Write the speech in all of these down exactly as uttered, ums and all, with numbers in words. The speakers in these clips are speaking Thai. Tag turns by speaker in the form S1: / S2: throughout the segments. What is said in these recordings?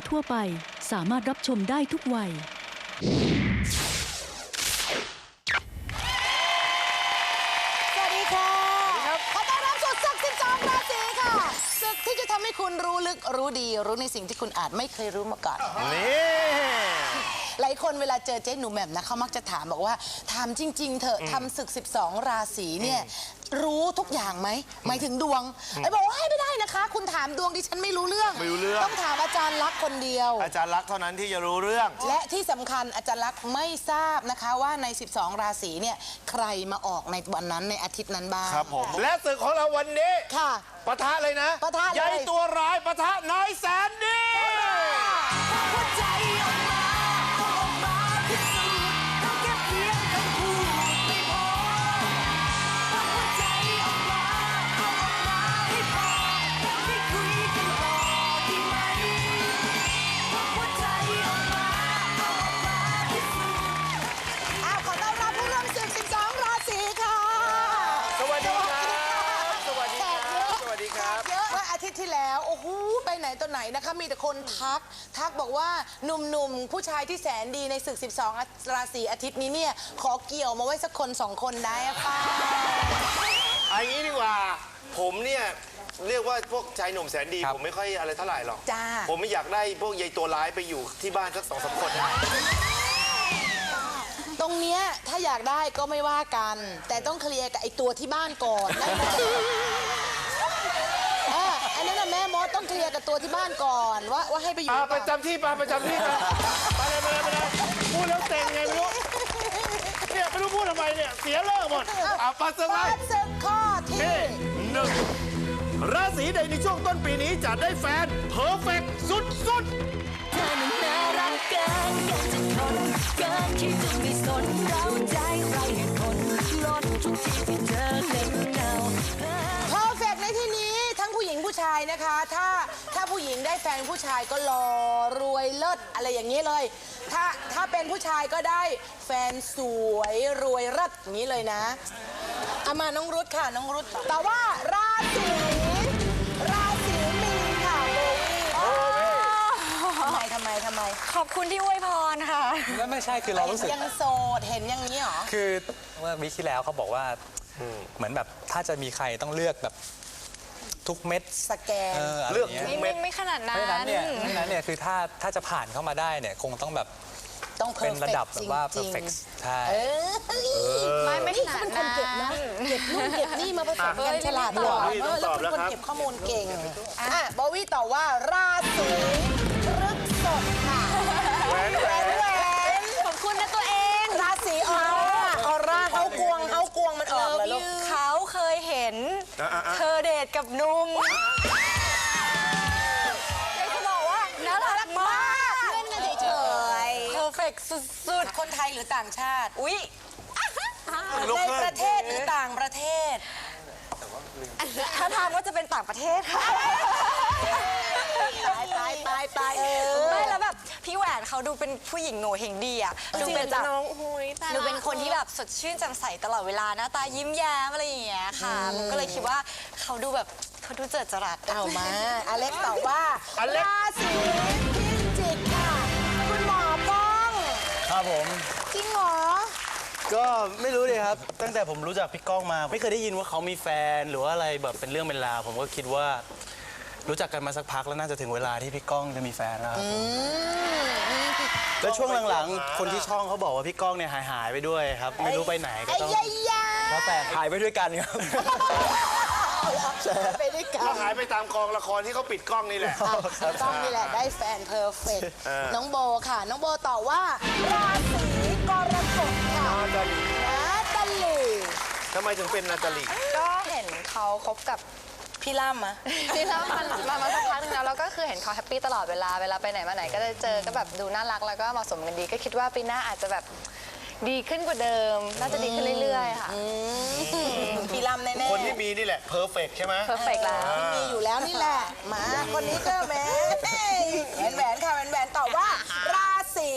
S1: ทั่วไปสามารถรับชมได้ทุกวัย
S2: สวัสดีค่ะขอต้อนรับสู่ศึกสิบสองราศีค่ะศึกที่จะทำให้คุณรู้ลึกรู้ดีรู้ในสิ่งที่คุณอาจไม่เคยรู้มาก่อนนี่หลายคนเวลาเจอเจ๊หนูแหม่มนะเขามักจะถามบอกว่าถามจริงๆเถอะทำศึกสิบสองราศีเนี่ยรู้ทุกอย่างไหมหมายถึงดวงไอ้บอกว่าให้ไม่ได้นะคะคุณถามดวงดิฉันไม่รู้เรื่อง
S3: ไม่รู้เรื่อง
S2: ต้องถามอาจารย์ลักษณ์คนเดียว
S3: อาจารย์ลักษณ์เท่านั้นที่จะรู้เรื่อง
S2: และที่สำคัญอาจารย์ลักษณ์ไม่ทราบนะคะว่าในสิบสองราศีเนี่ยใครมาออกในวันนั้นในอาทิตย์นั้นบ้าง
S3: ครับผมและศึกของเราวันนี้
S2: ค่ะ
S3: ปะทะเลยนะ
S2: ปะทะเลย
S3: ใหญ่ตัวร้ายปะทะน้อยแสนดี
S2: ที่แล้วโอ้โหไปไหนตัวไหนนะคะมีแต่คนทักทักบอกว่าหนุ่มๆผู้ชายที่แสนดีในศึกสิบสองราศีอาทิตย์นี้เนี่ยขอเกี่ยวมาไว้สักคนสองคนได้ป่ะ
S3: อันนี้ดีกว่าผมเนี่ยเรียกว่าพวกชายหนุ่มแสนดีผมไม่ค่อยอะไรเท่าไหร่หรอก
S2: จ้า
S3: ผมไม่อยากได้พวกยายตัวร้ายไปอยู่ที่บ้านสักสองสามคน
S2: ตรงเนี้ยถ้าอยากได้ก็ไม่ว่ากันแต่ต้องเคลียร์กับไอ้ตัวที่บ้านก่อนนะอันนั้นนะแม่มดต้องเคลียร์กับตัวที่บ้านก่อนว่าว่าให้ไปอยู่
S3: ไปจำที่ไปไปจำที่ไปไปเลยไปเลยไปเลยพูดแล้วเต็งไงไม่รู้เนี่ยไม่รู้พูดทำไมเนี่ยเสียเลิกหมดอ่ะปัสสาวะ
S2: ศึกข้อที่
S3: หนึ่งราศีใดในช่วงต้นปีนี้จะได้แฟนเพอร์เฟกต์สุดๆ
S4: เธอนั้นน่ารักเกินเกินจะทนเกินที่จะไม่สนเราใจไรเหตุผลล้นทุกทีที่เธอเล่นเงา
S2: เพอร์เฟกต์ในที่นี้ทั้งผู้หญิงผู้ชายนะคะถ้าถ้าผู้หญิงได้แฟนผู้ชายก็หล่อรวยเลิศอะไรอย่างนี้เลยถ้าถ้าเป็นผู้ชายก็ได้แฟนสวยรวยเลิศอย่างนี้เลยนะเอามาน้องรุตค่ะน้องรุตแต่ว่าราศีราศีมีนค่ะโบวี่ทำไมทำไมทำไม
S4: ขอบคุณที่อวยพรค่ะ
S5: แล้วไม่ใช่คือเรารู้สึก
S2: ยังโสดเห็นอย่างนี้หรอ
S5: คือเมื่อวิคที่แล้วเขาบอกว่าเหมือนแบบถ้าจะมีใครต้องเลือกแบบทุกเม็ด
S2: สแกน
S3: เลือกทุกเม็ด
S4: ไม่ขนาดนั้น
S5: เพราะฉะนั้นเนี่ยเพราะฉะนั้นเนี่ยคือถ้าถ้าจะผ่านเข้ามาได้เนี่ยคงต้องแบบ
S2: ต้อง
S5: เป็นระดับแบบว่า perfect ใช่
S4: ไม่ไม่ขนาดนั้น
S2: เก็บนะเก็บนู่นเก็บนี่มาผสมกันฉลาดกว่าเออแล้วเป็นคนเก็บข้อมูลเก่งอ่ะโบวี่ตอบว่าราศีพฤษภค่ะ
S3: แหวนแหวนแหวน
S4: ขอบคุณนะตัวเอง
S2: ราศีออร่าออร่าเขากวงเขากวงมันออกเลยลูก
S4: เขาเคยเห็นเธอเดทกับนุ่มเลยจะบอกว่าน่ารักมาก
S2: เล่นกันเฉย
S4: ๆเพอร์เฟกต์สุด
S2: ๆคนไทยหรือต่างชาติ
S4: อุ๊ย
S2: ในประเทศหรือต่างประเทศ
S4: ถ้าทางว่าจะเป็นต่างประเทศค่ะ
S2: ตายตายตายตาย
S4: ไม่แล้วแบบพี่แหวนเขาดูเป็นผู้หญิงโง่เฮงดีอ่ะดูเป็นแบบดูเป็นคนที่แบบสดชื่นแจ่มใสตลอดเวลาหน้าตายิ้มแย้มอะไรอย่างเงี้ยค่ะมันก็เลยคิดว่าเขาดูแบบเขาดูเจิดจรัส
S2: เอามาอเล็กตอบว่าราศีพิจิกค่ะคุณหมอป้อง
S6: ครับผม
S2: จริงเหรอ
S6: ก็ไม่รู้เลยครับตั้งแต่ผมรู้จักพี่ก้องมาไม่เคยได้ยินว่าเขามีแฟนหรือว่าอะไรแบบเป็นเรื่องเป็นราวผมก็คิดว่ารู้จักกันมาสักพักแล้วน่าจะถึงเวลาที่พี่ก้องจะมีแฟนแล้วครับแล้วช่วงหลังๆคนที่ช่องเขาบอกว่าพี่ก้องเนี่ยหายหายไปด้วยครับไม่รู้ไปไหนก็ต้องแล้วแต่หายไปด้วยกันครับ
S2: ไปด้วยกัน
S3: หายไปตามกองละครที่เขาปิดกล้องนี่แหละ
S2: กล้องนี่แหละได้แฟนเพอร์เฟกต์น้องโบค่ะน้องโบตอบว่าราศีกรกฎค่ะ
S3: นาตาลี
S2: นาตาลี
S3: ทำไมถึงเป็นนาตาลี
S4: ก็เห็นเขาคบกับ
S2: พี่ล่ำมะ
S4: พี่ล่ำมันมามาสักพักนึงแล้วเราก็คือเห็นเขาแฮปปี้ตลอดเวลาเวลาไปไหนมาไหนก็จะเจอก็แบบดูน่ารักแล้วก็เหมาะสมกันดีก็คิดว่าปีหน้าอาจจะแบบดีขึ้นกว่าเดิมน่าจะดีขึ้นเรื่อยๆค่ะ
S2: พี่ล่ำแน่ๆ
S3: คนที่มีนี่แหละเพอร์เฟกต์ใช่ไหม
S4: เพอร์เฟกต์แล้ว
S2: ที่มีอยู่แล้วนี่แหละมาคนนี้ก็แหวนแหวนแหวนค่ะแหวนแหวนตอบว่าราศี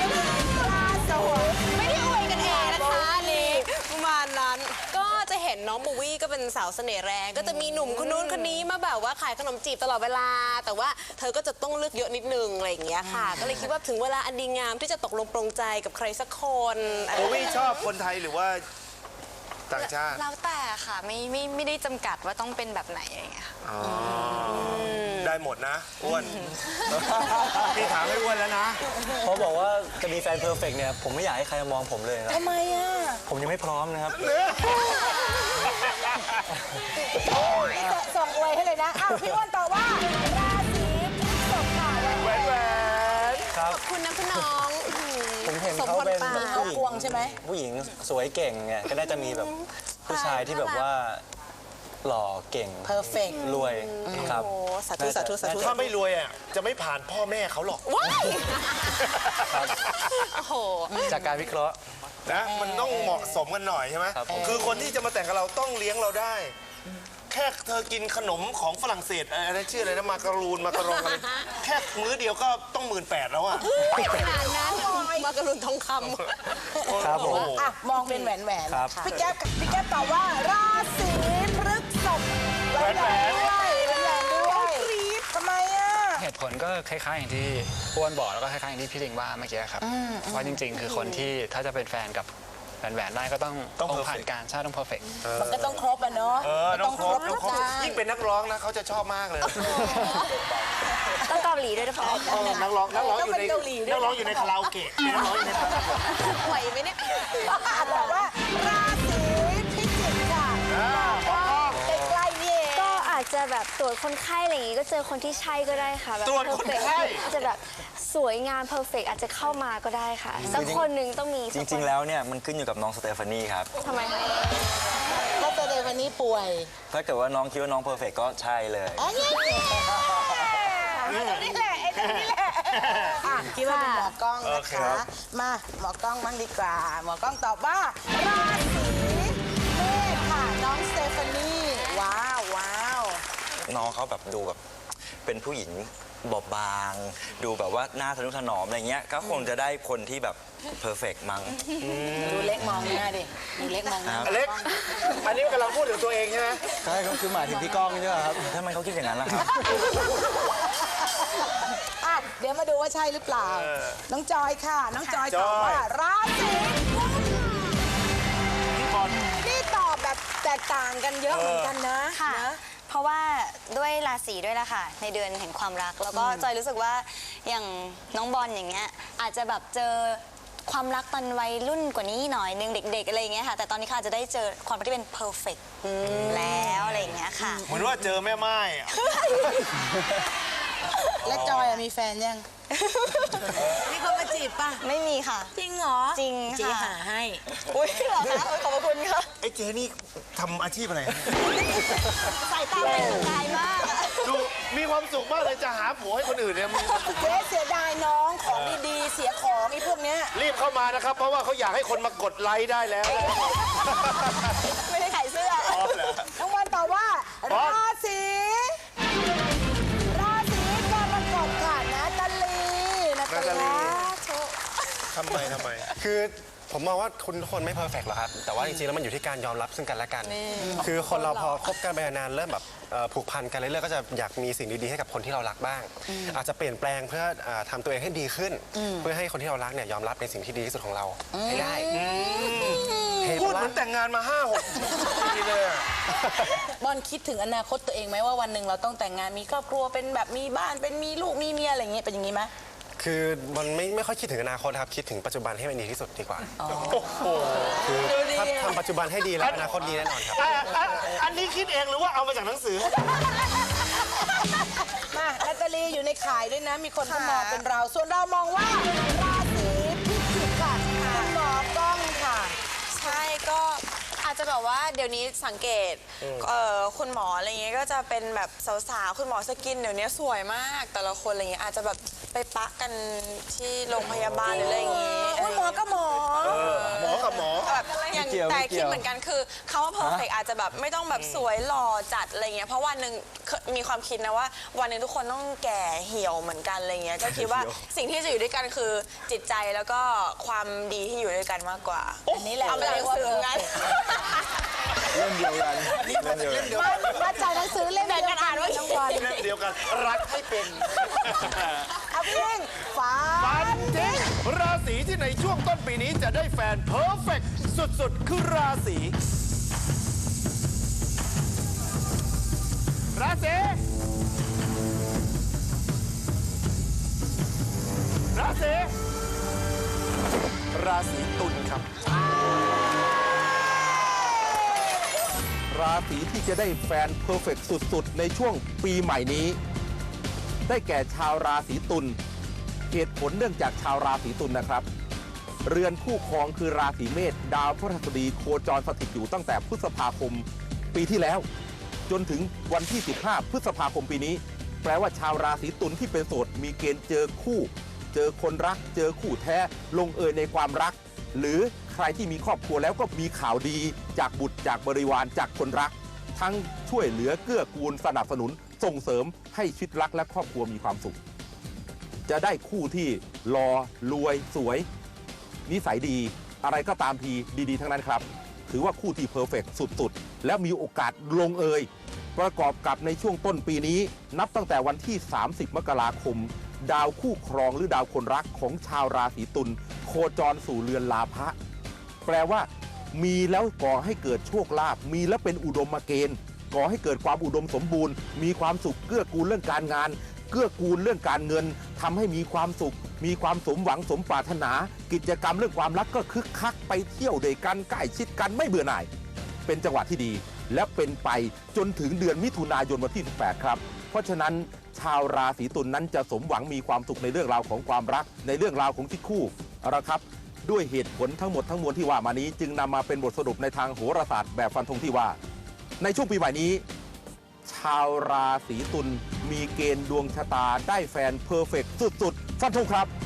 S2: ราศี
S4: ไม่ได้อวยกันเองนะคะนี่
S2: ประมาณนั้น
S4: ก็จะเห็นน้
S7: องโบวี่ก็เป็นสาวเสน่ห์แรงก็จะมีหนุ่มคนนู้นคนนี้มาแบบว่าขายขนมจีบตลอดเวลา แต่ว่าเธอก็จะต้องเลือกเยอะนิดนึงอะไรอย่างเงี้ยค่ะ ก็เลยคิดว่าถึงเวลาอันดีงามที่จะตกลงปรงใจกับใครสักคน
S3: โบวี่ชอบคนไทยหรือว่าต่างชาติ
S4: แล้วแต่ค่ะไม่ไม่ไม่ได้จำกัดว่าต้องเป็นแบบไหนอะไรอย่างเงี้ยค่ะ
S3: ได้หมดนะอ้วนพี่ถามให้อ้วนแล้วนะ
S6: เขาบอกว่าจะมีแฟนเพอร์เฟกต์เนี่ยผมไม่อยากให้ใครมองผมเลยนะ
S2: ทำไมอ่ะ
S6: ผมยังไม่พร้อมนะครับ
S2: ส่งอวยให้เลยนะ อ้าว พี่อ้วนตอบว่า ราศีพฤษภค่ะ
S3: แหวนแหวน
S6: ครับ
S7: ขอบคุณนะคุณน้อง
S6: ผมเห็น
S7: สม
S6: เขา
S7: พร
S6: เป็น
S7: ปาก
S6: ผู้หญิ
S2: พวงใช่ไหม
S6: ผู้หญิงสวยเก่งไงก็น่าจะมีแบบผู้ชายที่แบบว่าหล่อเก่ง
S2: perfect
S6: รวยครับ
S7: โอ้สาธุสาธุสาธุ
S3: ถ้าไม่รวยอ่ะจะไม่ผ่านพ่อแม่เขาหรอก
S7: ว้ายโอ้โห
S6: จากการวิเคราะห์
S3: นะมันต้องเหมาะสมกันหน่อยใช่ไหม
S6: ครับผม
S3: คือคนที่จะมาแต่งกับเราต้องเลี้ยงเราได้ แค่เธอกินขนมของฝรั่งเศสอะไรชื่ออะไรนะมาการูนมาการองอะไรแค่มื้อเดียวก็ต้องหมื่นแปดแล้วอ่ะ
S7: ขนาดนั้นมากระลุนทองค
S6: ครับผม
S2: อ่ะ มองเป็นแหวนแหวน
S6: ครับ
S2: พี่แก๊ปพี่แก๊ปตอบว่า ราศีพฤษภแหวนแหวนด้วยแหวนแหวนด้วยทำไมอ่ะ
S8: เหตุผลก็คล้ายๆอย่างที่อ้วนบอกแล้วก็คล้ายๆอย่างที่พี่ลิงว่าเมื่อกี้ครับเพราะจริงๆ คือคนที่ถ้าจะเป็นแฟนกับแหวนๆได้ก็ต้อง
S3: ต้อง
S8: ผ่าน
S3: perfect
S8: การใช่ต้องเพอร์เฟก
S2: มันก็ต้องครบอ่ะเนาะ
S3: เออต้องครบ
S2: ทุ
S3: ต้อง
S2: ก
S3: ครบ
S2: อย่าง
S3: ยิ่งเป็นนักร้องนะเขาจะชอบมากเลย
S4: ต้องเกาหลีด้วยนะคะ
S3: เออนักร้องนักร้องอยู่ใน
S2: ต้องเป็นเกาหลีด้วย
S3: นักร้องอยู่ในคาราโอเกะเป็นนักร้องอยู่ในคาราโอเกะ
S7: ำไหวไหมเนี่ย
S2: ตอบว่า ราศีพิจิกค่ะใกล้ๆนี่เอง
S9: ก็อาจจะแบบตรวจคนไข้อะไรอย่างงี้ก็เจอคนที่ใช่ก็ได้ค่ะแบบ
S3: ตรวจคนไข้
S9: อาจจะแบบสวยงามเพอร์เฟกอาจจะเข้ามาก็ได้ค่ะสักคนหนึ่งต้องมี
S10: จริง ๆ แล้วเนี่ยมันขึ้นอยู่กับน้องสเตฟานีครับ
S9: ทำไมคะ
S2: ก็จะเลยวันนี้ป่วย
S10: ถ้าเกิดว่าน้องคิดว่าน้องเพอร์เฟกก็ใช่เลย
S2: อันนี้นี่แหละไอ้นี่แหละอ่ะคิดว่าเป็นหมอกล้องนะคะ มาหมอกล้องบ้างดีกว่า หมอกล้องตอบว่า ราศีเมษค่ะ น้องสเตฟานีว้าวว้าว
S10: น้องเขาแบบดูแบบเป็นผู้หญิงบอบบาง ดูแบบว่าหน้าทะนุถนอมอะไรเงี้ยก็คงจะได้คนที่แบบเพอร์เฟกมั้ง
S2: ดูเล็กมองหน้าดิ ดูเล็กมองหน้า
S3: อเล็ก อันนี้กำลังพูดถึงตัวเองใช่ไหม
S6: ใช่ก็คือหมายถึงพี่ก้องใช่ไหมครับ
S10: ทำไมเขาคิดอย่างนั้นล่ะครับ
S2: อ่ะเดี๋ยวมาดูว่าใช่หรือเปล่า น้องจอยค่ะ น้องจอยตอบว่า ราศีกุม
S3: พี่บอล
S2: นี่ตอบแบบแตกต่างกันเยอะเหมือนกันนะ
S4: ค่ะ
S2: นะ
S4: เพราะว่าด้วยราศีด้วยละค่ะ ในเดือนแห่งความรัก แล้วก็จอยรู้สึกว่าอย่างน้องบอลอย่างเงี้ยอาจจะแบบเจอความรักตอนวัยรุ่นกว่านี้หน่อยนึงเด็ก ๆอะไรอย่างเงี้ยค่ะ แต่ตอนนี้เขาอาจจะได้เจอความรักที่เป็นเพอร์เฟกต์แล้วอะไรอย่างเงี้ยค่ะ
S3: เหมือนว่าเจอแม่ไม้อะ
S2: และจอยอะมีแฟนยัง มีคนมาจีบป่ะ
S4: ไม่มีค่ะ
S2: จริงเหรอ
S4: จริง
S2: จี
S4: ค่ะ
S2: หาให้
S4: อุ้ยเหรอคะโอ้ยขอบพระคุณค่ะ
S3: ไอ้เจนี่ทำอาชีพอะไร
S4: สายตาเป็นประกายมากอะ
S3: ดูมีความสุขมากเลยจะหาผัวให้คนอื่นเนี่ยมีความสุข
S2: เจ๊เสียดายน้องของดีๆ เสียของไอ้พวกเนี้ย
S3: รีบเข้ามานะครับ เพราะว่าเขาอยากให้คนมากดไลค์ได้แล้ว
S4: ไม่ได้ขายเสื้อ
S2: น้องวันตอบว่า ราศีราศีกรกฎค่ะนาตาลีนาตา
S3: นาตาลี
S2: ลี
S3: ทำไมทำไม
S11: คือผมมองว่าคุณทุกคนไม่เพอร์เฟกต์หรอกครับ แต่ว่าจริงๆ แล้วมันอยู่ที่การยอมรับซึ่งกันและกัน คือคนเราพอคบกันไปนานๆเริ่มแบบเอ่อผูกพันกันเรื่อยๆก็จะอยากมีสิ่งดีๆให้กับคนที่เรารักบ้าง อาจจะเปลี่ยนแปลงเพื่ออ่าทำตัวเองให้ดีขึ้น เพื่อให้คนที่เรารักเนี่ยยอมรับในสิ่งที่ดีที่สุดของเราให้ได้เหตุ
S3: พูด
S11: ว่า
S3: เหมือนแต่งงานมาห้าหกปีเลยอะ
S2: บอลคิดถึงอนาคตตัวเองไหมว่าวันหนึ่งเราต้องแต่งงานมีครอบครัวเป็นแบบมีบ้านเป็นมีลูกมีเมียอะไรอย่างเงี้ยเป็นอย่างงี้ไหม
S11: คือมันไม่ไม่ค่อยคิดถึงอนาคตครับคิดถึงปัจจุบันให้มันดีที่สุดดีกว่าคือถ้าทำปัจจุบันให้ดีแล้วอนาคตดีแน่นอนครับ
S3: อ่ะอ่ะอันนี้คิดเองหรือว่าเอามาจากหนังสือ
S2: มานาตาลีอยู่ในข่ายด้วยนะ มีคนเขามองเป็นเรา ส่วนเรามองว่า ราศีพิจิกค่ะคุณหมอกล้องค่ะ
S7: ใช่ก็อาจจะแบบว่าเดี๋ยวนี้สังเกตเอ่อคุณหมออะไรเงี้ยก็จะเป็นแบบสาวๆคุณหมอสกินเดี๋ยวนี้สวยมากแต่ละคนอะไรเงี้ยอาจจะแบบไปปะกันที่โรงพยาบาลหรืออะไรอย่างงี้
S2: คุณหมอก็หมอ
S3: หมอกับหมอ
S7: แบบอย่าง
S6: ไม่เกี่ยว
S7: แต่
S6: ไม่เกี่
S7: คิด
S6: ยว
S7: เหมือนกันคือเขาว่าเพอร์เฟกอาจจะแบบไม่ต้องแบบสวยหล่อจัดอะไรเงี้ยเพราะวันหนึ่งเคยมีความคิดนะว่าวันหนึ่งทุกคนต้องแก่เหี่ยวเหมือนกันอะไรเงี้ยก็คิดว่าสิ่งที่จะอยู่ด้วยกันคือจิตใจแล้วก็ความดีที่อยู่ด้วยกันมากกว่า
S2: อันนี้แหละ
S7: เอาไปเรียนสื่อไง
S3: เล่มเดียวกันเล่มเดียวกัน
S2: มามาจากหนังสือเล่มเดียวกันว่าทั้งวัน
S3: เล่มเดียวกันรักให้เป็น
S2: เอาพี่เองฟ้า
S3: ฟันทิ้งราศีที่ในช่วงต้นปีนี้จะได้แฟนเพอร์เฟกต์สุดๆ คือราศีราศีราศีราศีตุลครับ
S12: ราศีที่จะได้แฟนเพอร์เฟกต์สุดๆในช่วงปีใหม่นี้ ได้แก่ชาวราศีตุลเหตุผลเนื่องจากชาวราศีตุลนะครับ เรือนคู่ครองคือราศีเมษดาวพฤหัสบดีโคจรสถิตอยู่ตั้งแต่พฤษภาคมปีที่แล้ว จนถึงวันที่สิบห้าพฤษภาคมปีนี้ แปลว่าชาวราศีตุลที่เป็นโสดมีเกณฑ์เจอคู่ เจอคนรักเจอคู่แท้ลงเอยในความรัก หรือใครที่มีครอบครัวแล้วก็มีข่าวดีจากบุตรจากบริวารจากคนรัก ทั้งช่วยเหลือเกื้อกูลสนับสนุนส่งเสริมให้ชีวิตรักและครอบครัวมีความสุข จะได้คู่ที่หล่อรวยสวย นิสัยดีอะไรก็ตามทีดีๆทั้งนั้นครับ ถือว่าคู่ที่เพอร์เฟกต์สุดๆและมีโอกาสลงเอยประกอบกับในช่วงต้นปีนี้นับตั้งแต่วันที่สามสิบมกราคมดาวคู่ครองหรือดาวคนรักของชาวราศีตุลโคจรสู่เรือนลาภะแปลว่ามีแล้วก่อให้เกิดโชคลาภมีแล้วเป็นอุดมเกณฑ์ก่อให้เกิดความอุดมสมบูรณ์มีความสุขเกื้อกูลเรื่องการงานเกื้อกูลเรื่องการเงินทำให้มีความสุขมีความสมหวังสมปรารถนากิจกรรมเรื่องความรักก็คึกคักไปเที่ยวด้วยกันใกล้ชิดกันไม่เบื่อหน่ายเป็นจังหวะที่ดีและเป็นไปจนถึงเดือนมิถุนายนวันที่สิบแปดครับเพราะฉะนั้นชาวราศีตุล นนั้นจะสมหวังมีความสุขในเรื่องราวของความรักในเรื่องราวของชีวิตคู่เอาละครับด้วยเหตุผลทั้งหมดทั้งมวลที่ว่ามานี้จึงนำมาเป็นบทสรุปในทางโหราศาสตร์แบบฟันธงที่ว่าในช่วงปีใหม่นี้ชาวราศีตุลมีเกณฑ์ดวงชะตาได้แฟนเพอร์เฟกต์สุดๆฟันธงครับ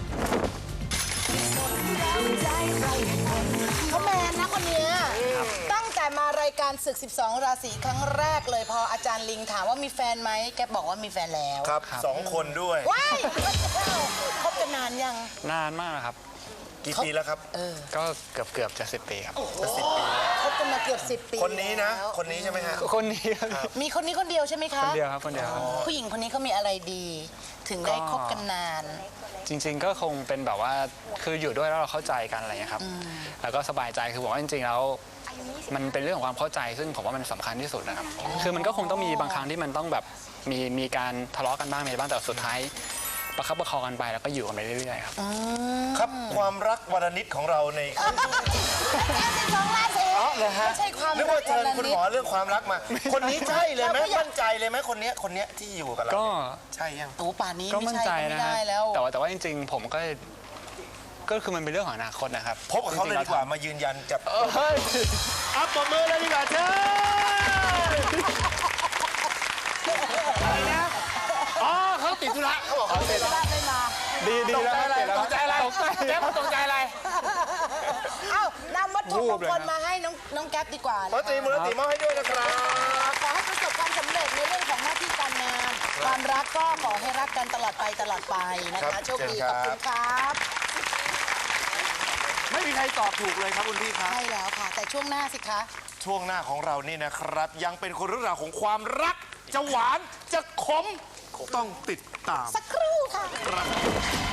S2: เขาแมนนะคนเนี้ยตั้งแต่มารายการศึก สิบสอง ราศีครั้งแรกเลยพออาจารย์ลิงถามว่ามีแฟนไหมแกบอกว่ามีแฟนแล้ว
S3: ครับสองคนด้วย
S2: ว้ายคบกันนานยัง
S8: นานมากนะครับ
S3: กี่ปีแล้วครับ
S8: ก็เกือบเกือบจะสิบปีครับ
S3: จะสิบปี
S2: คบกันมาเกือบสิบปี
S3: คนนี้นะ
S2: แล้ว
S3: คนนี้ใช่ไหมฮะ
S8: คนนี้ครับ
S2: มีคนนี้คนเดียวใช่ไหมคะ
S8: คนเดียวครับคนเดียวครับ
S2: ผู้หญิงคนนี้เขามีอะไรดี ถึงได้คบกันนาน
S8: จริงๆก็คงเป็นแบบว่าคืออยู่ด้วยแล้วเราเข้าใจกันอะไรอย่างเงี้ยครับแล้วก็สบายใจคือบอกว่าจริงๆแล้วมันเป็นเรื่องของความเข้าใจซึ่งผมว่ามันสำคัญที่สุดนะครับคือมันก็คงต้องมีบางครั้งที่มันต้องแบบมีมีการทะเลาะกันบ้างในบ้างแต่สุดท้ายประคับประคองกันไปแล้วก็อยู่กันไปเรื่อยๆครับ
S3: ครับความรักวรนิตของเราใน
S2: สองราศี
S3: อ๋อเหรอฮะ
S2: ไม่ใช่ความ
S3: นึกว่าเชิญ
S2: รัก
S3: คุณหมอเรื่องความรักมา คนนี้ใช่เลยไหมมั่นใจเลยไหมคนเนี้ยคนเนี้ยที่อยู่กับเรา
S8: ก็
S3: ใช่ยัง
S2: โอ้ป่านนี้
S8: ก็
S2: ไม่
S8: มั่น
S2: ใช่
S8: ใจ
S2: ก็
S8: นะ
S2: ไม่
S8: ครั
S2: ได้
S8: บ
S2: แล้ว
S8: แต่ว่าแต่ว่าจริงๆ ผมก็ก็คือมันเป็นเรื่องของอนาคตนะครับ
S3: พบกับเขาเลยดีกว่ามายืนยันจับ
S8: เฮ้ย
S3: อัพปรบมือเลยดีกว่าเชิญอะไรนะอ๋อเขาติดธุระเขาบอกเขาติดธุระ
S2: ไม่มา
S8: ดีดีแล้ว
S3: ตกใจอะไร
S8: ตกใจ
S3: แก๊ปตกใจอะไร
S2: เอ้านำวัตถุมงคลมาให้น้องน้องแก๊ปดีกว่า
S3: พระตรีมูลติมอบให้ด้วยนะครับ
S2: ขอให้ประสบความสำเร็จในเรื่องของหน้าที่การงาน ความรักก็ขอให้รักกันตลอดไปตลอดไปนะคะโชคดีขอบคุณครับ
S3: ไม่มีใครตอบถูกเลยครับคุณพี่ครับ
S2: ใช่แล้วค่ะ แต่ช่วงหน้าสิคะ
S3: ช่วงหน้าของเรานี่นะครับ ยังเป็นคนเรื่องราวของความรัก จะหวานจะขมต้องติดตาม
S2: สักครู่ค่ะ